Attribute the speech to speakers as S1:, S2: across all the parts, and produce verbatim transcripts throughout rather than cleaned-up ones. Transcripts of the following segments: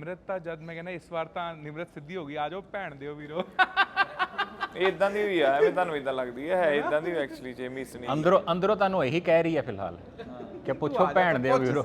S1: ਨਿਮਰਤ ਤਾਂ ਜਦ ਮੈਂ ਕਹਿੰਦਾ ਇਸ ਵਾਰ ਤਾਂ ਨਿਮਰਤ ਸਿੱਧੀ ਹੋ ਗਈ, ਆ ਜਾਓ ਭੈਣ ਦਿਓ ਵੀਰੋ।
S2: ਇਦਾਂ ਦੀ ਵੀ ਆ, ਐਵੇਂ ਤੁਹਾਨੂੰ ਇਦਾਂ ਲੱਗਦੀ ਹੈ ਹੈ ਇਦਾਂ ਦੀ ਐਕਚੁਅਲੀ ਜੇ ਮਿਸ ਨਹੀਂ
S3: ਅੰਦਰੋਂ ਅੰਦਰੋਂ ਤੁਹਾਨੂੰ ਇਹੀ ਕਹਿ ਰਹੀ ਹੈ ਫਿਲਹਾਲ ਕਿ ਪੁੱਛੋ ਭੈਣ ਦਿਓ ਵੀਰੋ।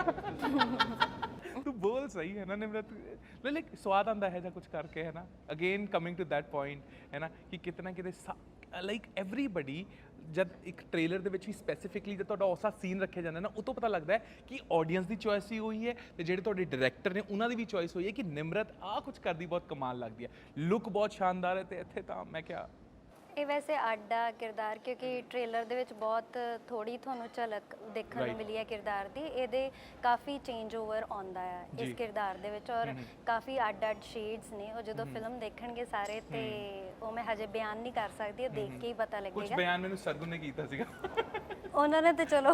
S1: ਤੂੰ ਬੋਲ ਸਹੀ ਹੈ ਨਾ ਨਿਮਰਤ, ਲਾਈਕ ਸਵਾਦ ਆਉਂਦਾ ਹੈ ਜਾਂ ਕੁਝ ਕਰਕੇ, ਹੈ ਨਾ। Again coming to that point ਹੈ ਨਾ ਕਿ ਕਿਤੇ ਨਾ ਕਿਤੇ ਲਾਈਕ ਐਵਰੀਬਡੀ ਜਦ ਇੱਕ ਟ੍ਰੇਲਰ ਦੇ ਵਿੱਚ ਹੀ ਸਪੈਸੀਫਿਕਲੀ ਜਦ ਤੁਹਾਡਾ ਉਸਾ ਸੀਨ ਰੱਖਿਆ ਜਾਂਦਾ ਨਾ, ਉਹ ਤੋਂ ਪਤਾ ਲੱਗਦਾ ਹੈ ਕਿ ਆਡੀਅנס ਦੀ ਚੋਇਸ ਹੀ ਹੋਈ ਹੈ ਤੇ ਜਿਹੜੇ ਤੁਹਾਡੇ ਡਾਇਰੈਕਟਰ ਨੇ ਉਹਨਾਂ ਦੀ ਵੀ ਚੋਇਸ ਹੋਈ ਹੈ ਕਿ ਨਿਮਰਤ ਆਹ ਕੁਝ ਕਰਦੀ ਬਹੁਤ ਕਮਾਲ ਲੱਗਦੀ ਹੈ, ਲੁੱਕ ਬਹੁਤ ਸ਼ਾਨਦਾਰ ਹੈ। ਤੇ ਇੱਥੇ ਤਾਂ ਮੈਂ ਕਿਹਾ
S4: ਇਹ ਵੈਸੇ ਆਡਾ ਕਿਰਦਾਰ, ਕਿਉਂਕਿ ਟ੍ਰੇਲਰ ਦੇ ਵਿੱਚ ਬਹੁਤ ਥੋੜੀ ਤੁਹਾਨੂੰ ਝਲਕ ਦੇਖਣ ਨੂੰ ਮਿਲੀ ਹੈ ਕਿਰਦਾਰ ਦੀ। ਇਹਦੇ ਕਾਫੀ ਚੇਂਜ ਓਵਰ ਆਉਂਦਾ ਹੈ ਇਸ ਕਿਰਦਾਰ ਦੇ ਵਿੱਚ, ਔਰ ਕਾਫੀ ਅੱਡ ਅੱਡ ਸ਼ੇਡਸ ਨੇ। ਉਹ ਜਦੋਂ ਫਿਲਮ ਦੇਖਣਗੇ ਸਾਰੇ ਤੇ ਉਹ ਮੈਂ ਹਜੇ ਬਿਆਨ ਨਹੀਂ ਕਰ ਸਕਦੀ, ਉਹ ਦੇਖ ਕੇ ਹੀ ਪਤਾ
S1: ਕੁਝ
S4: ਲੱਗੇਗਾ।
S1: ਬਿਆਨ ਮੈਨੂੰ ਸਰਗੁਣ ਨੇ ਕੀਤਾ ਸੀਗਾ।
S4: ਉਹਨਾਂ ਨੇ ਤੇ ਚਲੋ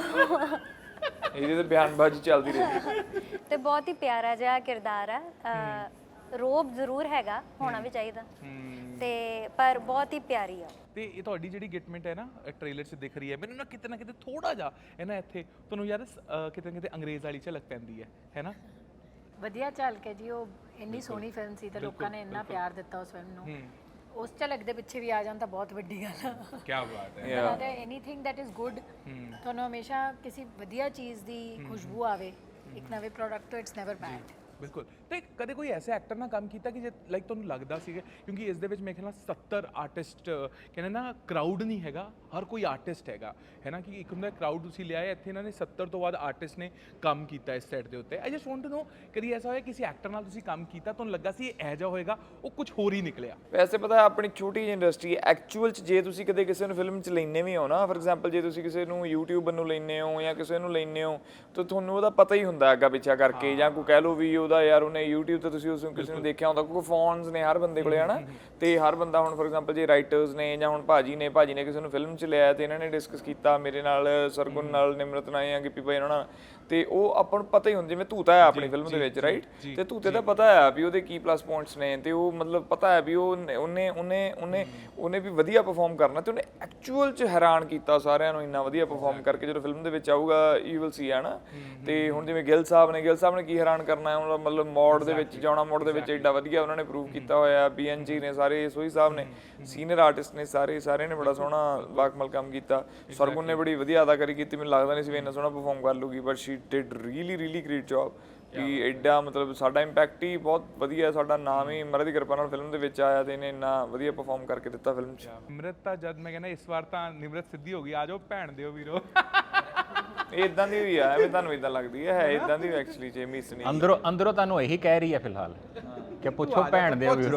S2: ਇਹਦੀ ਤਾਂ ਬਿਆਨਬਾਜ਼ੀ ਚੱਲਦੀ ਰਹੀ।
S4: ਤੇ ਬਹੁਤ ਹੀ ਪਿਆਰਾ ਜਿਹਾ ਕਿਰਦਾਰ ਹੈ। ਰੋਬ ਜ਼ਰੂਰ ਹੈਗਾ, ਹੋਣਾ ਵੀ ਚਾਹੀਦਾ, ਤੇ ਪਰ ਬਹੁਤ ਹੀ ਪਿਆਰੀ ਆ।
S1: ਤੇ ਇਹ ਤੁਹਾਡੀ ਜਿਹੜੀ ਗਿਟਮੈਂਟ ਹੈ ਨਾ ਟ੍ਰੇਲਰ 'ਚ ਦਿਖ ਰਹੀ ਹੈ, ਮੈਨੂੰ ਨਾ ਕਿਤੇ ਨਾ ਕਿਤੇ ਥੋੜਾ ਜਿਹਾ ਹੈ ਨਾ ਇੱਥੇ ਤੁਹਾਨੂੰ ਯਾਰ ਕਿਤੇ ਨਾ ਕਿਤੇ ਅੰਗਰੇਜ਼ ਵਾਲੀ ਝਲਕ ਪੈਂਦੀ ਹੈ ਹੈ ਨਾ।
S5: ਵਧੀਆ ਝਲਕ ਹੈ ਜੀ, ਉਹ ਇੰਨੀ ਸੋਹਣੀ ਫਿਲਮ ਸੀ ਤੇ ਲੋਕਾਂ ਨੇ ਇੰਨਾ ਪਿਆਰ ਦਿੱਤਾ ਉਸ ਫਿਲਮ ਨੂੰ, ਉਸ ਝਲਕ ਦੇ ਪਿੱਛੇ ਵੀ ਆ ਜਾਣ ਤਾਂ ਬਹੁਤ ਵੱਡੀ ਗੱਲ ਆ।
S1: ਕੀ ਬਾਤ ਹੈ।
S5: ਤੇ ਐਨੀਥਿੰਗ ਦੈਟ ਇਜ਼ ਗੁੱਡ, ਤੁਹਾਨੂੰ ਹਮੇਸ਼ਾ ਕਿਸੇ ਵਧੀਆ ਚੀਜ਼ ਦੀ ਖੁਸ਼ਬੂ ਆਵੇ ਇੱਕ ਨਵੇਂ ਪ੍ਰੋਡਕਟ ਤੋਂ, ਇਟਸ ਨੈਵਰ ਬੈਡ।
S1: ਬਿਲਕੁਲ। ਤੇ ਕਦੇ ਕੋਈ ਐਸੇ ਐਕਟਰ ਨਾਲ ਕੰਮ ਕੀਤਾ ਕਿ ਜੇ ਲਾਈਕ ਤੁਹਾਨੂੰ ਲੱਗਦਾ ਸੀਗਾ, ਕਿਉਂਕਿ ਇਸ ਦੇ ਵਿੱਚ ਮੇਰੇ ਖਿਆਲ ਨਾਲ ਸੱਤਰ ਆਰਟਿਸਟ ਕਹਿੰਦੇ ਨਾ, ਕਰਾਊਡ ਨਹੀਂ ਹੈਗਾ, ਹਰ ਕੋਈ ਆਰਟਿਸਟ ਹੈਗਾ ਹੈ ਨਾ, ਕਿ ਇੱਕ ਹੁੰਦਾ ਕਰਾਊਡ ਤੁਸੀਂ ਲਿਆਏ, ਇੱਥੇ ਇਹਨਾਂ ਨੇ ਸੱਤਰ ਤੋਂ ਬਾਅਦ ਆਰਟਿਸਟ ਨੇ ਕੰਮ ਕੀਤਾ ਇਸ ਸੈਟ ਦੇ ਉੱਤੇ। I just want to know, ਕਦੀ ਐਸਾ ਹੋਇਆ ਕਿਸੇ ਐਕਟਰ ਨਾਲ ਤੁਸੀਂ ਕੰਮ ਕੀਤਾ ਤੁਹਾਨੂੰ ਲੱਗਾ ਸੀ ਇਹ ਇਹੋ ਜਿਹਾ ਹੋਏਗਾ, ਉਹ ਕੁਝ ਹੋਰ ਹੀ ਨਿਕਲਿਆ?
S2: ਵੈਸੇ ਪਤਾ ਆਪਣੀ ਛੋਟੀ ਜਿਹੀ ਇੰਡਸਟਰੀ ਐਕਚੁਅਲ 'ਚ ਜੇ ਤੁਸੀਂ ਕਦੇ ਕਿਸੇ ਨੂੰ ਫਿਲਮ 'ਚ ਲੈਂਦੇ ਵੀ ਹੋ ਨਾ, ਫੋਰ ਐਗਜ਼ਾਮਪਲ ਜੇ ਤੁਸੀਂ ਕਿਸੇ ਨੂੰ ਯੂਟਿਊਬਰ ਨੂੰ ਲੈਂਦੇ ਹੋ ਜਾਂ ਕਿਸੇ ਨੂੰ ਲੈਂਦੇ ਹੋ ਤਾਂ ਤੁਹਾਨੂੰ ਉਹਦਾ ਪਤਾ ਹੀ ਹੁੰਦਾ ਅੱਗਾ ਪਿੱਛਾ ਕਰਕੇ, ਜਾਂ ਕੋਈ ਕਹਿ ਲਓ ਵੀ ਉਹਦਾ ਯਾਰ ਉਹਨੇ ਯੂਟਿਊਬ ਤੇ ਤੁਸੀਂ ਉਸ ਨੂੰ ਕਿਸੇ ਨੂੰ ਦੇਖਿਆ ਹੁੰਦਾ, ਕਿਉਂਕਿ ਫੋਨਸ ਨੇ ਹਰ ਬੰਦੇ ਕੋਲੇ ਹਨਾ। ਤੇ ਹਰ ਬੰਦਾ ਹੁਣ ਫੋਰ ਐਗਜ਼ਾਮਪਲ ਜੇ ਰਾਈਟਰਸ ਨੇ ਜਾਂ ਹੁਣ ਭਾਜੀ ਨੇ ਭਾਜੀ ਨੇ ਕਿਸੇ ਨੂੰ ਫਿਲਮ 'ਚ ਲਿਆ ਤੇ ਇਹਨਾਂ ਨੇ ਡਿਸਕਸ ਕੀਤਾ ਮੇਰੇ ਨਾਲ, ਸਰਗੁਣ ਨਾਲ, ਨਿਮਰਤ ਨਾਲ ਜਾਂ ਗਿੱਪੀ ਭਾਈ ਉਹਨਾਂ ਨਾਲ, ਤੇ ਉਹ ਆਪਾਂ ਨੂੰ ਪਤਾ ਹੀ ਹੁੰਦਾ। ਜਿਵੇਂ ਧੂਤਾ ਹੈ ਆਪਣੀ ਫਿਲਮ ਦੇ ਵਿੱਚ ਰਾਈਟ, ਤੇ ਧੂਤੇ ਦਾ ਪਤਾ ਹੈ ਵੀ ਉਹਦੇ ਕੀ ਪਲੱਸ ਪੁਆਇੰਟਸ ਨੇ, ਤੇ ਉਹ ਮਤਲਬ ਪਤਾ ਹੈ ਵੀ ਉਹ ਉਹਨੇ ਉਹਨੇ ਉਹਨੇ ਉਹਨੇ ਵੀ ਵਧੀਆ ਪਰਫਾਰਮ ਕਰਨਾ, ਤੇ ਉਹਨੇ ਐਕਚੁਅਲ 'ਚ ਹੈਰਾਨ ਕੀਤਾ ਸਾਰਿਆਂ ਨੂੰ ਇੰਨਾ ਵਧੀਆ ਪਰਫਾਰਮ ਕਰਕੇ। ਜਦੋਂ ਫਿਲਮ ਦੇ ਵਿੱਚ ਆਊਗਾ ਯੂ ਵਿਲ ਸੀ ਹੈ ਨਾ। ਤੇ ਹੁਣ ਜਿਵੇਂ ਗਿੱਲ ਸਾਹਿਬ ਨੇ ਗਿੱਲ ਸਾਹਿਬ ਨੇ ਕੀ ਹੈਰਾਨ ਕਰਨਾ, ਉਹਨਾਂ ਮਤਲਬ ਮੋੜ ਦੇ ਵਿੱਚ ਜਾਣਾ, ਮੋੜ ਦੇ ਵਿੱਚ ਐਡਾ ਵਧੀਆ ਉਹਨਾਂ ਨੇ ਪ੍ਰੂਵ ਕੀਤਾ ਹੋਇਆ। ਬੀ ਐਨ ਜੀ ਨੇ ਸਾਰੇ, ਸੋਹੀ ਸਾਹਿਬ ਨੇ, ਸੀਨੀਅਰ ਆਰਟਿਸਟ ਨੇ ਸਾਰੇ, ਸਾਰਿਆਂ ਨੇ ਬੜਾ ਸੋਹਣਾ ਬਾਕਮਲ ਕੰਮ ਕੀਤਾ। ਸਰਗੁਣ ਨੇ ਬੜੀ ਵਧੀਆ ਅਦਾਕਾਰੀ ਕੀਤੀ, ਮੈਨੂੰ ਲੱਗਦਾ ਨਹੀਂ ਸੀ ਵੀ ਇੰਨਾ ਸੋਹਣਾ ਪਰਫਾਰਮ ਕਰ ਲੂਗੀ, but she did really really great job. ਵੀ ਐਡਾ ਮਤਲਬ ਸਾਡਾ ਇੰਪੈਕਟ ਹੀ ਬਹੁਤ ਵਧੀਆ, ਸਾਡਾ ਨਾਮ ਹੀ ਮਹਾਰਾਜ ਦੀ ਕਿਰਪਾ ਨਾਲ ਫਿਲਮ ਦੇ ਵਿੱਚ ਆਇਆ ਤੇ ਇਹਨੇ ਇੰਨਾ ਵਧੀਆ ਪਰਫਾਰਮ ਕਰਕੇ ਦਿੱਤਾ ਫਿਲਮ 'ਚ।
S1: ਨਿਮਰਤ ਤਾਂ ਜਦ ਮੈਂ ਕਹਿੰਦਾ ਇਸ ਵਾਰ ਤਾਂ ਨਿਮਰਤ ਸਿੱਧੀ ਹੋ ਗਈ, ਆ ਜਾਓ ਭੈਣ ਦਿਓ ਵੀਰੋ।
S2: ਇਦਾਂ ਦੀ ਵੀ ਆ, ਐਵੇਂ ਤੁਹਾਨੂੰ ਇਦਾਂ ਲੱਗਦੀ ਹੈ ਹੈ ਇਦਾਂ ਦੀ ਐਕਚੁਅਲੀ ਜੇ ਮਿਸ ਨਹੀਂ।
S3: ਅੰਦਰੋਂ ਅੰਦਰੋਂ ਤੁਹਾਨੂੰ ਇਹੀ ਕਹਿ ਰਹੀ ਹੈ ਫਿਲਹਾਲ ਕਿ ਪੁੱਛੋ ਭੈਣ ਦਿਓ ਵੀਰੋ।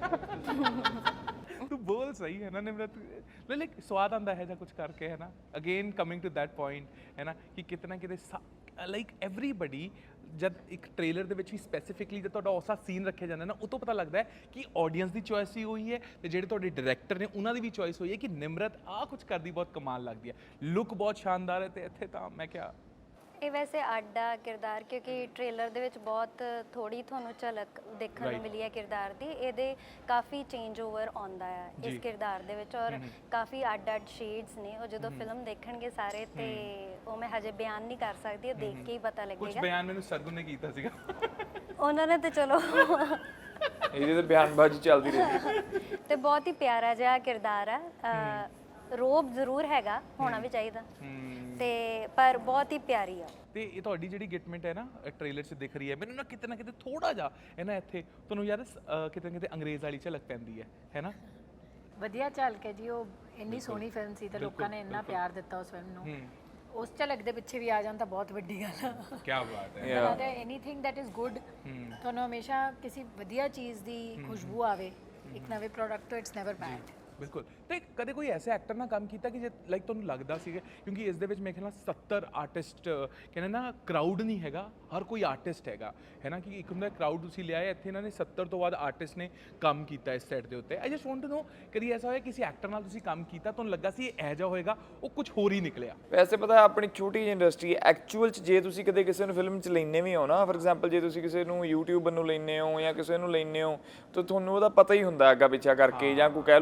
S1: ਤੂੰ ਬੋਲ ਸਹੀ ਹੈ ਨਾ ਨਿਮਰਤ, ਲਾਈਕ ਸਵਾਦ ਆਉਂਦਾ ਹੈ ਜਾਂ ਕੁਝ ਕਰਕੇ, ਹੈ ਨਾ। Again coming to that point ਹੈ ਨਾ ਕਿ ਕਿਤੇ ਨਾ ਕਿਤੇ ਲਾਈਕ ਐਵਰੀਬਡੀ ਜਦ ਇੱਕ ਟ੍ਰੇਲਰ ਦੇ ਵਿੱਚ ਹੀ ਸਪੈਸੀਫਿਕਲੀ ਜਦ ਤੁਹਾਡਾ ਉਸਾ ਸੀਨ ਰੱਖਿਆ ਜਾਂਦਾ ਨਾ, ਉਹ ਤੋਂ ਪਤਾ ਲੱਗਦਾ ਹੈ ਕਿ ਆਡੀਅנס ਦੀ ਚੋਇਸ ਹੀ ਹੋਈ ਹੈ ਤੇ ਜਿਹੜੇ ਤੁਹਾਡੇ ਡਾਇਰੈਕਟਰ ਨੇ ਉਹਨਾਂ ਦੀ ਵੀ ਚੋਇਸ ਹੋਈ ਹੈ ਕਿ ਨਿਮਰਤ ਆਹ ਕੁਝ ਕਰਦੀ ਬਹੁਤ ਕਮਾਲ ਲੱਗਦੀ ਹੈ, ਲੁੱਕ ਬਹੁਤ ਸ਼ਾਨਦਾਰ ਹੈ। ਤੇ ਇੱਥੇ ਤਾਂ ਮੈਂ ਕਿਹਾ
S4: ਇਹ ਵੈਸੇ ਆਡਾ ਕਿਰਦਾਰ, ਕਿਉਂਕਿ ਟ੍ਰੇਲਰ ਦੇ ਵਿੱਚ ਬਹੁਤ ਥੋੜੀ ਤੁਹਾਨੂੰ ਝਲਕ ਦੇਖਣ ਨੂੰ ਮਿਲੀ ਹੈ ਕਿਰਦਾਰ ਦੀ। ਇਹਦੇ ਕਾਫੀ ਚੇਂਜ ਓਵਰ ਆਉਂਦਾ ਹੈ ਇਸ ਕਿਰਦਾਰ ਦੇ ਵਿੱਚ, ਔਰ ਕਾਫੀ ਅੱਡ ਅੱਡ ਸ਼ੇਡਸ ਨੇ। ਉਹ ਜਦੋਂ ਫਿਲਮ ਦੇਖਣਗੇ ਸਾਰੇ ਤੇ ਉਹ ਮੈਂ ਹਜੇ ਬਿਆਨ ਨਹੀਂ ਕਰ ਸਕਦੀ, ਉਹ ਦੇਖ ਕੇ ਹੀ ਪਤਾ
S1: ਕੁਝ
S4: ਲੱਗੇਗਾ।
S1: ਬਿਆਨ ਮੈਨੂੰ ਸਰਗੁਣ ਨੇ ਕੀਤਾ ਸੀਗਾ।
S4: ਉਹਨਾਂ ਨੇ ਤੇ ਚਲੋ
S2: ਇਹਦੀ ਤਾਂ ਬਿਆਨਬਾਜ਼ੀ ਚੱਲਦੀ ਰਹੀ।
S4: ਤੇ ਬਹੁਤ ਹੀ ਪਿਆਰਾ ਜਿਹਾ ਕਿਰਦਾਰ ਹੈ। ਰੋਬ ਜ਼ਰੂਰ ਹੈਗਾ, ਹੋਣਾ ਵੀ ਚਾਹੀਦਾ, ਤੇ ਪਰ ਬਹੁਤ ਹੀ ਪਿਆਰੀ ਆ।
S1: ਤੇ ਇਹ ਤੁਹਾਡੀ ਜਿਹੜੀ ਗਿਟਮੈਂਟ ਹੈ ਨਾ ਟ੍ਰੇਲਰ 'ਚ ਦਿਖ ਰਹੀ ਹੈ, ਮੈਨੂੰ ਨਾ ਕਿਤੇ ਨਾ ਕਿਤੇ ਥੋੜਾ ਜਿਹਾ ਹੈ ਨਾ ਇੱਥੇ ਤੁਹਾਨੂੰ ਯਾਰ ਕਿਤੇ ਨਾ ਕਿਤੇ ਅੰਗਰੇਜ਼ ਵਾਲੀ ਝਲਕ ਪੈਂਦੀ ਹੈ ਹੈ ਨਾ। ਵਧੀਆ
S5: ਝਲਕ ਹੈ ਜੀ, ਉਹ ਇੰਨੀ ਸੋਹਣੀ ਫਿਲਮ ਸੀ ਤੇ ਲੋਕਾਂ ਨੇ ਇੰਨਾ ਪਿਆਰ ਦਿੱਤਾ ਉਸ ਫਿਲਮ ਨੂੰ, ਉਸ ਝਲਕ ਦੇ ਪਿੱਛੇ ਵੀ ਆ ਜਾਣ ਤਾਂ ਬਹੁਤ ਵੱਡੀ ਗੱਲ ਆ।
S1: ਕੀ ਬਾਤ ਹੈ।
S5: ਤੇ ਐਨੀਥਿੰਗ ਦੈਟ ਇਜ਼ ਗੁੱਡ, ਤੁਹਾਨੂੰ ਹਮੇਸ਼ਾ ਕਿਸੇ ਵਧੀਆ ਚੀਜ਼ ਦੀ ਖੁਸ਼ਬੂ ਆਵੇ ਇੱਕ ਨਵੇਂ ਪ੍ਰੋਡਕਟ ਤੋਂ, ਇਟਸ ਨੈਵਰ ਬੈਡ।
S1: ਬਿਲਕੁਲ। ਤੇ ਕਦੇ ਕੋਈ ਐਸੇ ਐਕਟਰ ਨਾਲ ਕੰਮ ਕੀਤਾ ਕਿ ਜੇ ਲਾਈਕ ਤੁਹਾਨੂੰ ਲੱਗਦਾ ਸੀਗਾ, ਕਿਉਂਕਿ ਇਸ ਦੇ ਵਿੱਚ ਮੇਰੇ ਖਿਆਲ ਨਾਲ ਸੱਤਰ ਆਰਟਿਸਟ ਕਹਿੰਦੇ ਨਾ, ਕਰਾਊਡ ਨਹੀਂ ਹੈਗਾ, ਹਰ ਕੋਈ ਆਰਟਿਸਟ ਹੈਗਾ ਹੈ ਨਾ, ਕਿ ਇੱਕ ਹੁੰਦਾ ਕਰਾਊਡ ਤੁਸੀਂ ਲਿਆਏ, ਇੱਥੇ ਇਹਨਾਂ ਨੇ ਸੱਤਰ ਤੋਂ ਬਾਅਦ ਆਰਟਿਸਟ ਨੇ ਕੰਮ ਕੀਤਾ ਇਸ ਸੈਟ ਦੇ ਉੱਤੇ। I just want to know, ਕਦੀ ਐਸਾ ਹੋਇਆ ਕਿਸੇ ਐਕਟਰ ਨਾਲ ਤੁਸੀਂ ਕੰਮ ਕੀਤਾ ਤੁਹਾਨੂੰ ਲੱਗਾ ਸੀ ਇਹ ਇਹੋ ਜਿਹਾ ਹੋਏਗਾ, ਉਹ ਕੁਝ ਹੋਰ ਹੀ ਨਿਕਲਿਆ?
S2: ਵੈਸੇ ਪਤਾ ਆਪਣੀ ਛੋਟੀ ਜਿਹੀ ਇੰਡਸਟਰੀ ਐਕਚੁਅਲ 'ਚ ਜੇ ਤੁਸੀਂ ਕਦੇ ਕਿਸੇ ਨੂੰ ਫਿਲਮ 'ਚ ਲੈਂਦੇ ਵੀ ਹੋ ਨਾ, ਫੋਰ ਐਗਜ਼ਾਮਪਲ ਜੇ ਤੁਸੀਂ ਕਿਸੇ ਨੂੰ ਯੂਟਿਊਬਰ ਨੂੰ ਲੈਂਦੇ ਹੋ ਜਾਂ ਕਿਸੇ ਨੂੰ ਲੈਂਦੇ ਹੋ ਤਾਂ ਤੁਹਾਨੂੰ ਉਹਦਾ ਪਤਾ ਹੀ ਹੁੰਦਾ ਅੱਗਾ ਪਿੱਛਾ ਕਰਕੇ, ਜਾਂ ਕੋਈ ਕਹਿ ਲਓ ਵੀ ਉਹਦਾ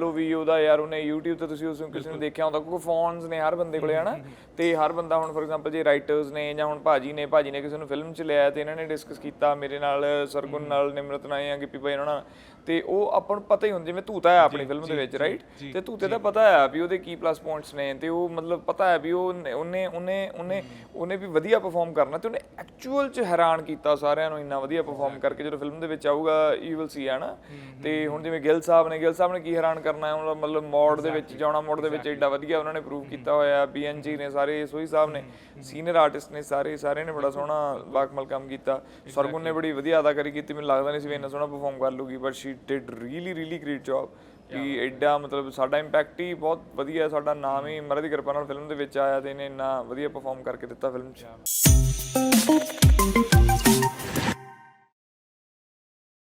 S2: ਉਹਦਾ ਯਾਰ ਉਹਨੇ YouTube ਤੇ ਤੁਸੀਂ ਉਸ ਨੂੰ ਕਿਸੇ ਨੂੰ ਦੇਖਿਆ ਹੁੰਦਾ ਕਿਉਂਕਿ ਫੋਨਸ ਨੇ ਹਰ ਬੰਦੇ ਕੋਲੇ ਹਨਾ ਤੇ ਹਰ ਬੰਦਾ ਹੁਣ ਫੋਰ ਐਗਜ਼ਾਮਪਲ ਜੇ ਰਾਈਟਰਸ ਨੇ ਜਾਂ ਹੁਣ ਭਾਜੀ ਨੇ ਭਾਜੀ ਨੇ ਕਿਸੇ ਨੂੰ ਫਿਲਮ 'ਚ ਲਿਆ ਤੇ ਇਹਨਾਂ ਨੇ ਡਿਸਕਸ ਕੀਤਾ ਮੇਰੇ ਨਾਲ ਸਰਗੁਣ ਨਾਲ ਨਿਮਰਤ ਨਾਲ ਜਾਂ ਗਿੱਪੀ ਭਾਈ ਉਹਨਾਂ ਨਾਲ ਤੇ ਉਹ ਆਪਾਂ ਨੂੰ ਪਤਾ ਹੀ ਹੁੰਦਾ ਜਿਵੇਂ ਧੂਤਾ ਹੈ ਆਪਣੀ ਫਿਲਮ ਦੇ ਵਿੱਚ ਰਾਈਟ ਤੇ ਧੂਤੇ ਦਾ ਪਤਾ ਹੈ ਵੀ ਉਹਦੇ ਕੀ ਪਲੱਸ ਪੁਆਇੰਟਸ ਨੇ ਤੇ ਉਹ ਮਤਲਬ ਪਤਾ ਹੈ ਵੀ ਉਹ ਉਹਨੇ ਉਹਨੇ ਉਹਨੇ ਉਹਨੇ ਵੀ ਵਧੀਆ ਪਰਫਾਰਮ ਕਰਨਾ ਤੇ ਉਹਨੇ ਐਕਚੁਅਲ 'ਚ ਹੈਰਾਨ ਕੀਤਾ ਸਾਰਿਆਂ ਨੂੰ ਇੰਨਾ ਵਧੀਆ ਪਰਫਾਰਮ ਕਰਕੇ ਜਦੋਂ ਫਿਲਮ ਦੇ ਵਿੱਚ ਆਊਗਾ ਯੂ ਵਿਲ ਸੀ ਹੈ ਨਾ ਤੇ ਹੁਣ ਜਿਵੇਂ ਗਿੱਲ ਸਾਹਿਬ ਨੇ ਗਿੱਲ ਸਾਹਿਬ ਨੇ ਕੀ ਹੈਰਾਨ ਕਰਨਾ ਹੈ ਮਤਲਬ ਮੋਡ ਦੇ ਵਿੱਚ ਜਾਣਾ ਮੋਡ ਦੇ ਵਿੱਚ ਐਡਾ ਵਧੀਆ ਉਹਨਾਂ ਨੇ ਪ੍ਰੂਵ ਕੀਤਾ ਹੋਇਆ ਬੀ ਐਨ ਜੀ ਨੇ ਸਾਰੇ ਸੋਹੀ ਸਾਹਿਬ ਨੇ ਸੀਨੀਅਰ ਆਰਟਿਸਟ ਨੇ ਸਾਰੇ ਸਾਰਿਆਂ ਨੇ ਬੜਾ ਸੋਹਣਾ ਬਾਕਮਲ ਕੰਮ ਕੀਤਾ ਸਰਗੁਣ ਨੇ ਬੜੀ ਵਧੀਆ ਅਦਾਕਾਰੀ ਕੀਤੀ ਮੈਨੂੰ ਲੱਗਦਾ ਨਹੀਂ ਸੀ ਵੀ ਇੰਨਾ ਸੋਹਣਾ ਪਰਫਾਰਮ ਕਰ ਲੂਗੀ but she did really really great job ਵੀ ਐਡਾ ਮਤਲਬ ਸਾਡਾ ਇੰਪੈਕਟ ਹੀ ਬਹੁਤ ਵਧੀਆ ਸਾਡਾ ਨਾਮ ਹੀ ਮਹਾਰਾਜ ਦੀ ਕਿਰਪਾ ਨਾਲ ਫਿਲਮ ਦੇ ਵਿੱਚ ਆਇਆ ਤੇ ਇਹਨੇ ਇੰਨਾ ਵਧੀਆ ਪਰਫਾਰਮ ਕਰਕੇ ਦਿੱਤਾ ਫਿਲਮ 'ਚ